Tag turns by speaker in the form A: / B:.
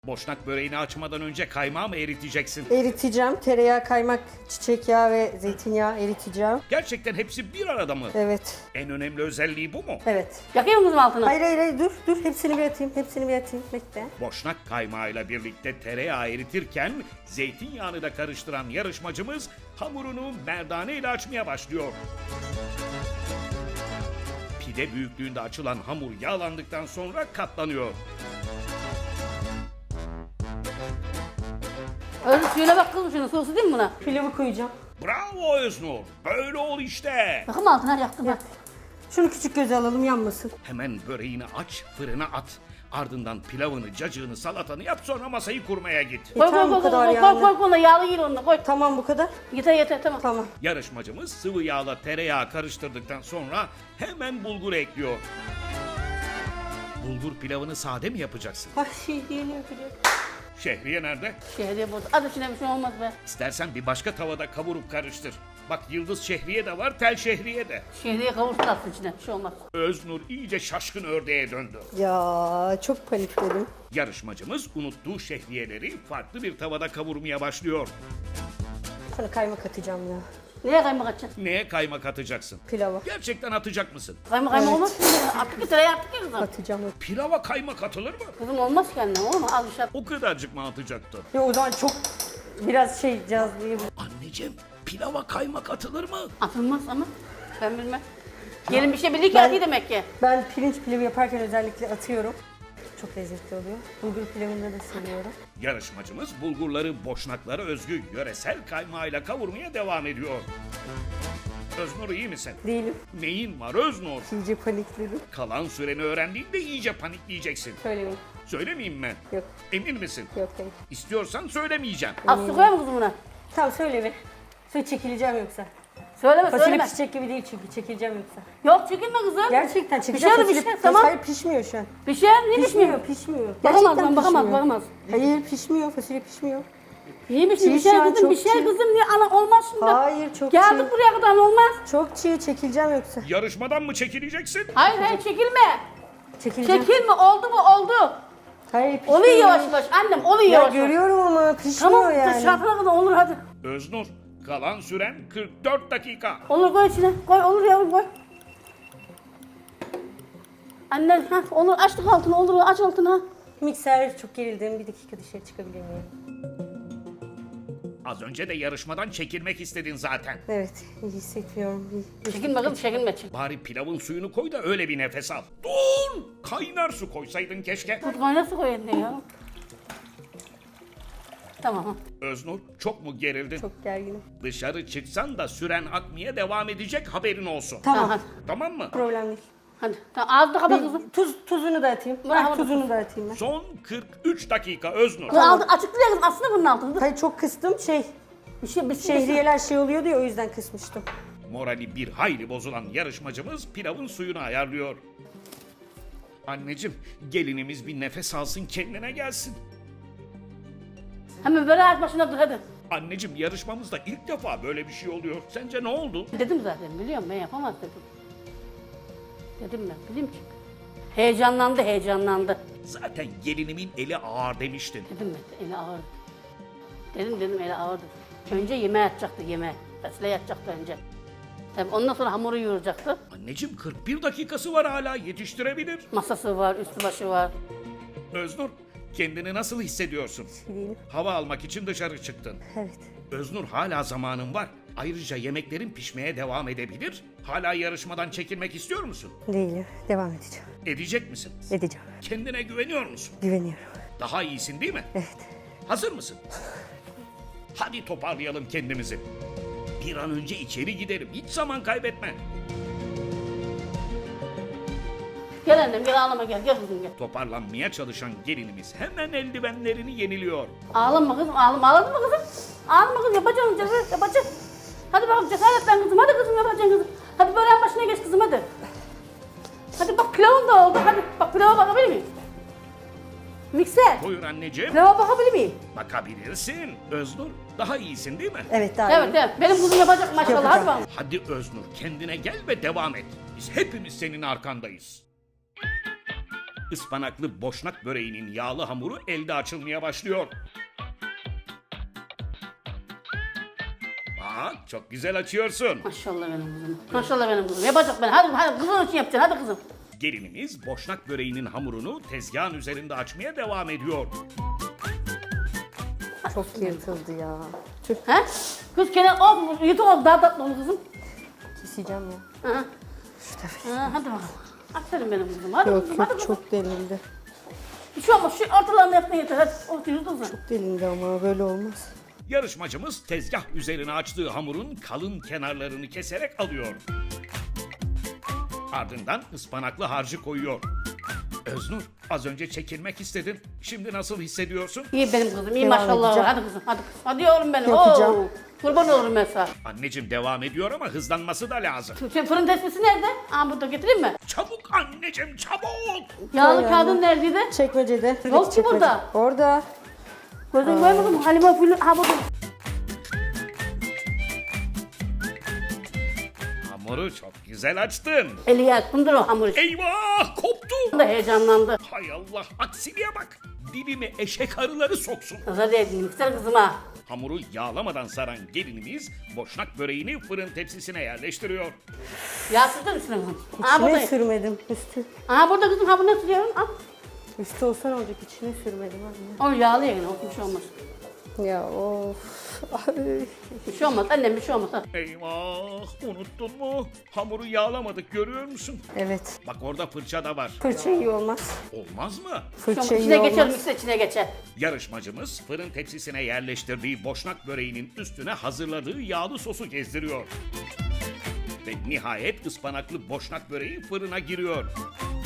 A: Boşnak böreğini açmadan önce kaymağı mı eriteceksin?
B: Eriteceğim. Tereyağı, kaymak, çiçek yağı ve zeytinyağı eriteceğim.
A: Gerçekten hepsi bir arada mı?
B: Evet.
A: En önemli özelliği bu mu?
B: Evet.
C: Yakıyor musun altını?
B: Hayır, dur. Hepsini bir atayım. Bekle.
A: Boşnak kaymağıyla birlikte tereyağı eritirken zeytinyağını da karıştıran yarışmacımız hamurunu merdane ile açmaya başlıyor. Pide büyüklüğünde açılan hamur yağlandıktan sonra katlanıyor.
C: Öyle suyuna bak kızım, şunun sosu değil mi buna?
B: Pilavı koyacağım.
A: Bravo Öznur. Böyle ol işte.
C: Bakın altına yaktım bak.
B: Şunu küçük göze alalım, yanmasın.
A: Hemen böreğini aç, fırına at. Ardından pilavını, cacığını, salatanı yap, sonra masayı kurmaya git.
C: Koy
B: Yeter
C: koy
B: bu
C: koy
B: kadar
C: koy
B: yağlı.
C: koy koy yağlı değil onunla koy.
B: Tamam, bu kadar.
C: Yeter tamam.
B: Tamam.
A: Yarışmacımız sıvı yağla tereyağı karıştırdıktan sonra hemen bulgur ekliyor. Bulgur pilavını sade mi yapacaksın?
B: Ay diyelim yapacağım.
A: Şehriye nerede?
C: Şehriye bozdu. Az içine bir şey olmaz be.
A: İstersen bir başka tavada kavurup karıştır. Bak yıldız şehriye de var, tel şehriye de.
C: Şehriye kavursun atsın içine, bir şey olmaz.
A: Öznur iyice şaşkın ördeğe döndü.
B: Ya çok panikledim.
A: Yarışmacımız unuttuğu şehriyeleri farklı bir tavada kavurmaya başlıyor.
B: Sana kaymak atacağım ya.
C: Neye kaymak atacaksın?
A: Neye kaymak atacaksın?
B: Pilava.
A: Gerçekten atacak mısın?
C: Kaymak
B: Evet.
C: olmaz ki. Attık bir tereyağı attık ya kızım.
B: Atacağım.
A: Pilava kaymak atılır mı?
C: Kızım olmaz kendine olur mu? Az bir şey at.
A: O kadarcık mı atacaktın?
B: Ya o zaman çok biraz cazlayabilir.
A: Anneciğim, pilava kaymak atılır mı?
C: Atılmaz ama ben bilmem. Gelin bir şey biliyor ki atıyor demek ki.
B: Ben pirinç pilavı yaparken özellikle atıyorum. Çok lezzetli oluyor. Bulgur pilavında da seviyorum.
A: Yarışmacımız bulgurları boşnaklara özgü yöresel kaymağıyla kavurmaya devam ediyor. Öznur iyi misin?
B: Değilim.
A: Neyin var Öznur?
B: İyice panikledim.
A: Kalan süreni öğrendiğinde iyice panikleyeceksin.
B: Söylemeyin.
A: Söylemeyeyim mi?
B: Yok.
A: Emin misin?
B: Yok hayır.
A: İstiyorsan söylemeyeceğim.
C: Az su koyar mı kızım buna?
B: Tamam söyle bir. Su çekileceğim yoksa.
C: Söyleme
B: Fasulye
C: söyleme.
B: pişecek gibi değil çünkü çekileceğim yoksa.
C: Yok çekinme kızım.
B: Gerçekten çekileceğim.
C: Pişer
B: Fasulye-
C: tamam.
B: Hayır pişmiyor şu an.
C: Pişer niye pişmiyor?
B: Pişmiyor.
C: Bakamaz
B: Gerçekten
C: lan bakamaz
B: pişmiyor.
C: bakamaz.
B: Hayır pişmiyor. Fasulye pişmiyor.
C: Niye pişmiyor?
B: Çiğ şu
C: Pişer
B: an,
C: kızım
B: çok
C: pişer
B: çiğ.
C: kızım niye ana olmaz şimdi.
B: Hayır çok
C: Geldik
B: çiğ.
C: buraya kadar olmaz.
B: Çok çiğ çekileceğim yoksa.
A: Yarışmadan mı çekileceksin?
C: Hayır çekilme.
B: Çekileceğim.
C: Çekilme oldu mu oldu.
B: Hayır pişmiyor.
C: Oluyor yavaş yavaş annem oluyor
B: Ya
C: yavaş yavaş.
B: görüyorum ama pişmiyor
C: Tamam
B: yani.
C: dışarıda kadar olur hadi.
A: Öznur, kalan süren 44 dakika.
C: Olur koy içine koy olur yavrum koy. Anne ha olur açtık altını olur aç altını ha.
B: Mikser çok gerildim. Bir dakika dışarı çıkabilir miyim?
A: Az önce de yarışmadan çekilmek istedin zaten.
B: Evet iyi hissetmiyorum. İyi.
C: Çekinme kızım çekinme çek.
A: Bari pilavın suyunu koy da öyle bir nefes al. Dur! Kaynar su koysaydın keşke.
C: Hadi kaynar su koy eline ya. Tamam ha.
A: Öznur, çok mu gerildin?
B: Çok gerginim.
A: Dışarı çıksan da süren akmaya devam edecek, haberin olsun.
B: Tamam.
C: Hadi.
A: Tamam mı?
B: Problem değil.
C: Hadi. Tamam ağzını kapa kızım.
B: Tuzunu da atayım.
C: Bravo.
B: Bak, tuzunu da atayım ben.
A: Son 43 dakika Öznur.
C: Kız altı açık değil kızım aslında bunun altını.
B: Hayır çok kıstım
C: Bir şey
B: şehriyeler şey oluyordu ya o yüzden kısmıştım.
A: Morali bir hayli bozulan yarışmacımız pilavın suyunu ayarlıyor. Anneciğim, gelinimiz bir nefes alsın, kendine gelsin.
C: Hemen böyle ayak başına dur hadi.
A: Anneciğim, yarışmamızda ilk defa böyle bir şey oluyor. Sence ne oldu?
C: Dedim zaten biliyorum ben yapamaz dedim. Dedim ben bileyim çünkü. Heyecanlandı.
A: Zaten gelinimin eli ağır demiştin.
C: Dedim ben eli ağırdı. Dedim eli ağırdı. Önce yemeğe yatacaktı yemeğe. Fasulye yatacaktı önce. Tabii ondan sonra hamuru yoğuracaktı.
A: Anneciğim 41 dakikası var hala, yetiştirebilir.
C: Masası var, üstü başı var.
A: Öznur, kendini nasıl hissediyorsun?
B: Değilim.
A: Hava almak için dışarı çıktın.
B: Evet.
A: Öznur, hala zamanın var. Ayrıca yemeklerin pişmeye devam edebilir. Hala yarışmadan çekilmek istiyor musun?
B: Değilim. Devam edeceğim.
A: Edecek misin?
B: Edeceğim.
A: Kendine güveniyor musun?
B: Güveniyorum.
A: Daha iyisin değil mi?
B: Evet.
A: Hazır mısın? Hadi toparlayalım kendimizi. Bir an önce içeri gidelim. Hiç zaman kaybetme.
C: Gel annem gel ağlama gel kızım gel.
A: Toparlanmaya çalışan gelinimiz hemen eldivenlerini yeniliyor.
C: Ağlama kızım ağlama ağladın mı kızım? Ağlama kızım yapacaksın yapacaksın. Hadi bakalım cesaretlen kızım hadi kızım yapacaksın kızım. Hadi böreğin başına geç kızım hadi. Hadi bak pilavın da oldu hadi bak pilava bakabilir miyim? Mikser
A: Buyur anneciğim.
C: pilava bakabilir miyim?
A: Bakabilirsin. Öznur, daha iyisin değil mi?
B: Evet daha
C: Evet
B: iyi.
C: evet benim kızım yapacak maşallah hadi
B: Yapacağım.
C: bakalım.
A: Hadi Öznur, kendine gel ve devam et. Biz hepimiz senin arkandayız. Ispanaklı boşnak böreğinin yağlı hamuru elde açılmaya başlıyor. Bak çok güzel açıyorsun.
C: Maşallah benim kızım. Maşallah benim kızım. Yapacak ben. Hadi kızım için yapacaksın. Hadi kızım.
A: Gelinimiz boşnak böreğinin hamurunu tezgahın üzerinde açmaya devam ediyor.
B: Çok yırtıldı ya. Tüh,
C: He? Kız kenar oldu. Yutuk oldu. Daha tatlı oldu kızım.
B: keseceğim ya.
C: Hı. Hadi bakalım. Aferin benim kızım. Hadi
B: Yok
C: kızım.
B: yok
C: Hadi kızım.
B: çok delindi.
C: Şu ama şu ortalarını yapmaya yeter. Hadi. Otur kızım.
B: Delindi ama böyle olmaz.
A: Yarışmacımız tezgah üzerine açtığı hamurun kalın kenarlarını keserek alıyor. Ardından ıspanaklı harcı koyuyor. Öznur, az önce çekilmek istedin. Şimdi nasıl hissediyorsun?
C: İyi benim kızım. İyi
B: Devam
C: maşallah.
B: edeceğim.
C: Hadi kızım. Hadi kızım. Hadi yavrum benim.
B: Yapacağım.
C: Oo. Kurban olurum ben sana.
A: Anneciğim devam ediyor ama hızlanması da lazım.
C: Şu fırın tespisi nerede? Aa burada getireyim mi?
A: Çabuk anneciğim çabuk!
C: Yağlı
B: Koy
C: kağıdın
B: yani.
C: neredeydi?
B: Çekmecede.
C: Yok ki
B: Çekmece.
C: burada.
B: Orada.
C: Gözün görmedin mi? Halime fülü. Ha burada.
A: Hamuru çok güzel açtın.
C: Eli yaktımdır o hamur işi.
A: Eyvah koptu.
C: Da heyecanlandı.
A: Hay Allah aksiliğe bak. Dibime eşek arıları soksun.
C: Kıza değdim. Güzel kızım ha.
A: Hamuru yağlamadan saran gelinimiz boşnak böreğini fırın tepsisine yerleştiriyor.
C: Yağ sürdün üstüne kızım. Aha
B: İçine
C: burada.
B: sürmedim. Üstü.
C: Aha burada kızım. Ha bunu sürüyorum. Al.
B: Üstü olsa ne olacak? İçine sürmedim anne.
C: O yağlı yani. O bir şey olmaz.
B: Ya of. Ay.
C: Bir şey olmaz. Annem bir şey olmaz. Ha.
A: Eyvah unuttun mu? Hamuru yağlamadık görüyor musun?
B: Evet.
A: Bak orada fırça da var.
B: Fırça iyi olmaz.
A: Olmaz mı?
C: Bir şey olmaz.
B: Fırça iyi
C: İçine geçer.
B: olmaz.
C: Mikser içine geçer.
A: Yarışmacımız fırın tepsisine yerleştirdiği boşnak böreğinin üstüne hazırladığı yağlı sosu gezdiriyor. Ve nihayet ıspanaklı boşnak böreği fırına giriyor.